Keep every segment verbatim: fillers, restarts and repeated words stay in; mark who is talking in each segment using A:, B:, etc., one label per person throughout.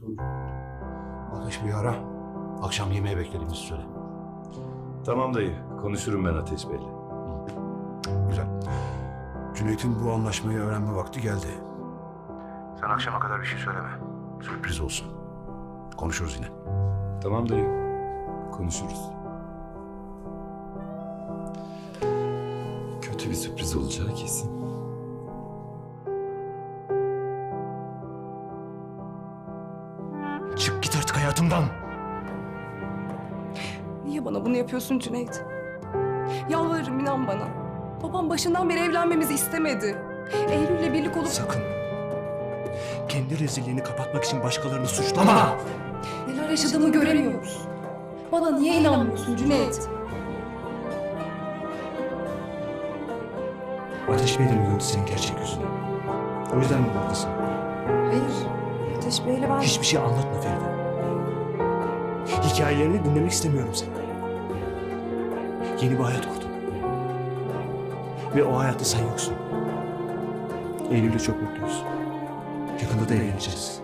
A: Ateş bir ara. Akşam yemeğe beklediğimizi söyle.
B: Tamam dayı, konuşurum ben Ateş Bey'le.
A: Güzel. Cüneyt'in bu anlaşmayı öğrenme vakti geldi. Sen akşama kadar bir şey söyleme. Sürpriz olsun. Konuşuruz yine.
B: Tamam dayı, konuşuruz. Kötü bir sürpriz olacağı kesin.
A: Çık git artık hayatımdan.
C: Niye bana bunu yapıyorsun Cüneyt? Yalvarırım, inan bana. Babam başından beri evlenmemizi istemedi. Eylül'le birlik olup...
D: Sakın. Kendi rezilliğini kapatmak için başkalarını suçlama.
C: Neler yaşadığımı göremiyor musun? Bana niye inanmıyorsun Cüneyt?
D: Ateş Bey'den gördü senin gerçek yüzünü. O yüzden mi buradasın?
C: Hayır. Ateş Bey'le ben...
D: Hiçbir şey anlatma Feride. Hikayelerini dinlemek istemiyorum senden. Yeni bir hayat kurdun. Ve o hayatta sen yoksun. Eylül'le çok mutluyuz. Yakında da evleneceğiz.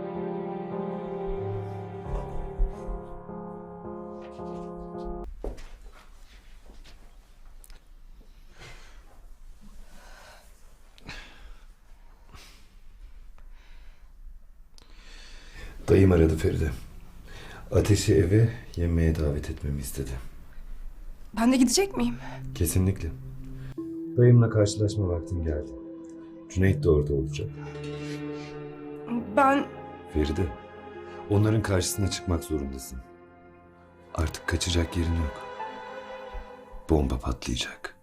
B: Dayım aradı Feride. Ateş'i eve yemeğe davet etmemi istedi.
C: Ben de gidecek miyim?
B: Kesinlikle. Dayımla karşılaşma vaktim geldi. Cüneyt de orada olacak.
C: Ben...
B: Feride, onların karşısına çıkmak zorundasın. Artık kaçacak yerin yok. Bomba patlayacak.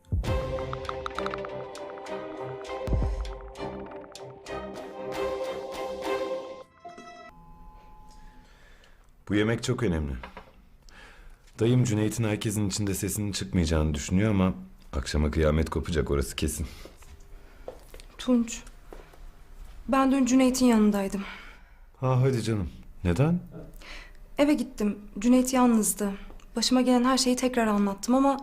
B: Bu yemek çok önemli. Dayım Cüneyt'in herkesin içinde sesinin çıkmayacağını düşünüyor ama akşama kıyamet kopacak, orası kesin.
C: Tunç. Ben dün Cüneyt'in yanındaydım.
B: Ha hadi canım. Neden?
C: Eve gittim. Cüneyt yalnızdı. Başıma gelen her şeyi tekrar anlattım ama...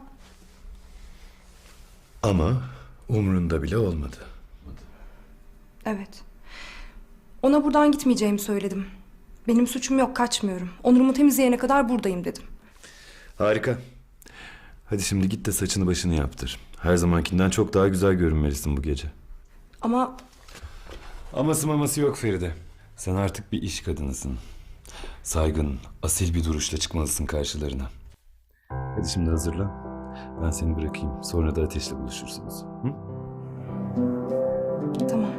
B: Ama umrunda bile olmadı.
C: Evet. Ona buradan gitmeyeceğimi söyledim. Benim suçum yok, kaçmıyorum. Onurumu temizleyene kadar buradayım dedim.
B: Harika. Hadi şimdi git de saçını başını yaptır. Her zamankinden çok daha güzel görünmelisin bu gece.
C: Ama
B: Aması maması yok Feride. Sen artık bir iş kadınısın. Saygın, asil bir duruşla çıkmalısın karşılarına. Hadi şimdi hazırlan. Ben seni bırakayım. Sonra da Ateş'le buluşursunuz. Hı?
C: tamam.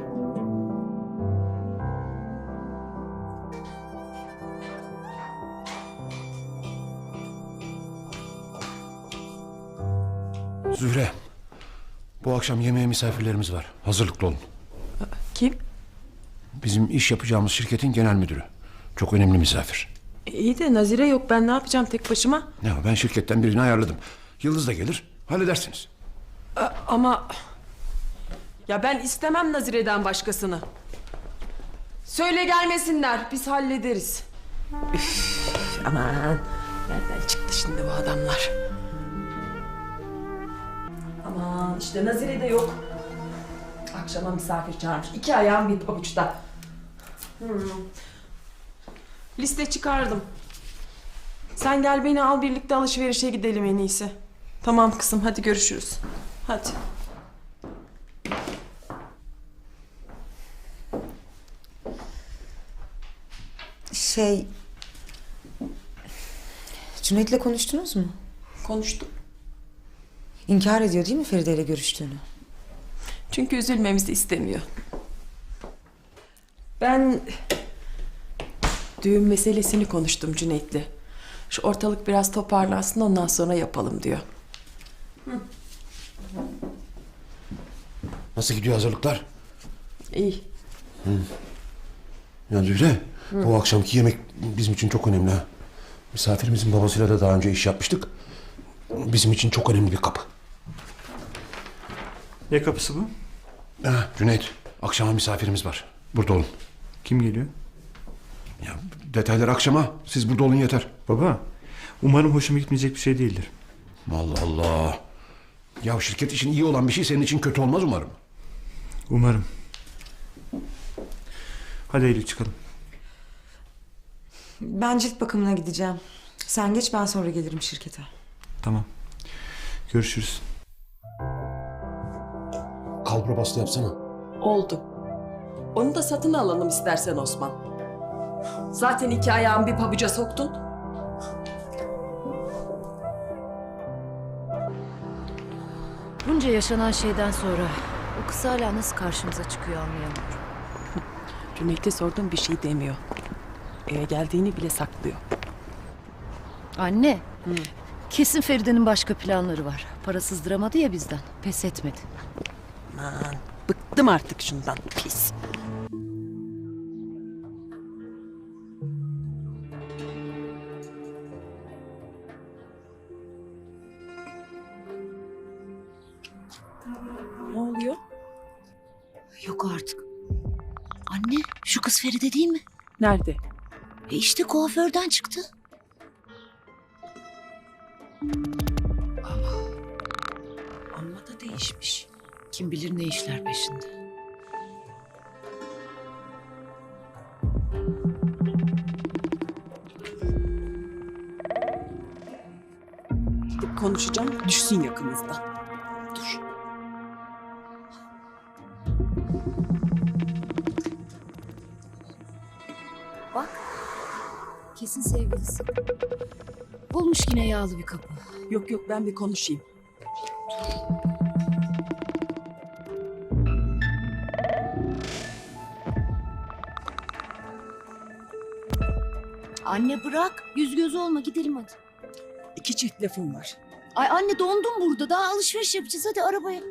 A: Zühre. Bu akşam yemeğe misafirlerimiz var. Hazırlıklı olun.
E: Kim?
A: Bizim iş yapacağımız şirketin genel müdürü. Çok önemli misafir.
E: İyi de Nazire yok. Ben ne yapacağım tek başıma?
A: Ya ben şirketten birini ayarladım. Yıldız da gelir. Halledersiniz.
E: A- ama... Ya ben istemem Nazire'den başkasını. Söyle gelmesinler. Biz hallederiz. Üf, aman. Nereden çıktı şimdi bu adamlar? Aman işte Nazire de yok. Akşama misafir çağırmış. İki ayağım bir pabuçta. Hmm. Liste çıkardım. Sen gel beni al, birlikte alışverişe gidelim en iyisi. Tamam kızım, hadi görüşürüz. Hadi.
F: Şey... Cüneyt'le konuştunuz mu?
E: Konuştuk.
F: İnkar ediyor değil mi Feride ile görüştüğünü?
E: Çünkü üzülmemizi istemiyor. Ben düğün meselesini konuştum Cüneyt'le. Şu ortalık biraz toparlansın, ondan sonra yapalım diyor.
A: Nasıl gidiyor hazırlıklar?
E: İyi.
A: Ya Zühre, bu akşamki yemek bizim için çok önemli ha. Misafirimizin babasıyla da daha önce iş yapmıştık. Bizim için çok önemli bir kapı.
D: Ne kapısı bu?
A: Ha, Cüneyt, akşama misafirimiz var. Burada olun.
D: Kim geliyor?
A: Ya detaylar akşama. Siz burada olun yeter.
D: Baba, umarım hoşuma gitmeyecek bir şey değildir.
A: Allah Allah. Ya şirket için iyi olan bir şey senin için kötü olmaz umarım.
D: Umarım. Hadi Eylül çıkalım.
F: Ben cilt bakımına gideceğim. Sen geç, ben sonra gelirim şirkete.
D: Tamam. Görüşürüz.
A: Kalbura bastı yapsana.
E: Oldu. Onu da satın alalım istersen Osman. Zaten iki ayağımı bir pabuca soktun.
G: Bunca yaşanan şeyden sonra o kız hala nasıl karşımıza çıkıyor anlayamıyorum.
E: Cüneyt'e sordum, bir şey demiyor. Eve geldiğini bile saklıyor.
G: Anne, kesin Feride'nin başka planları var. Para sızdıramadı ya bizden, pes etmedi.
E: Aman, bıktım artık şundan, pis. Ne oluyor?
G: Yok artık. Anne, şu kız Feride değil mi?
E: Nerede?
G: E işte kuaförden çıktı.
E: Amma da değişmiş.
G: Kim bilir ne işler peşinde.
E: Gidip konuşacağım, düşsün yakımızda. Dur.
G: Bak, kesin sevgilisi. Bulmuş yine yağlı bir kapı.
E: Yok yok, ben bir konuşayım.
G: Anne bırak, yüz göz olma, gidelim hadi.
E: İki çift lafım var.
G: Ay anne dondum burada, daha alışveriş yapacağız, hadi arabaya.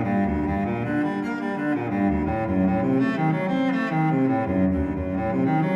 A: Yürü.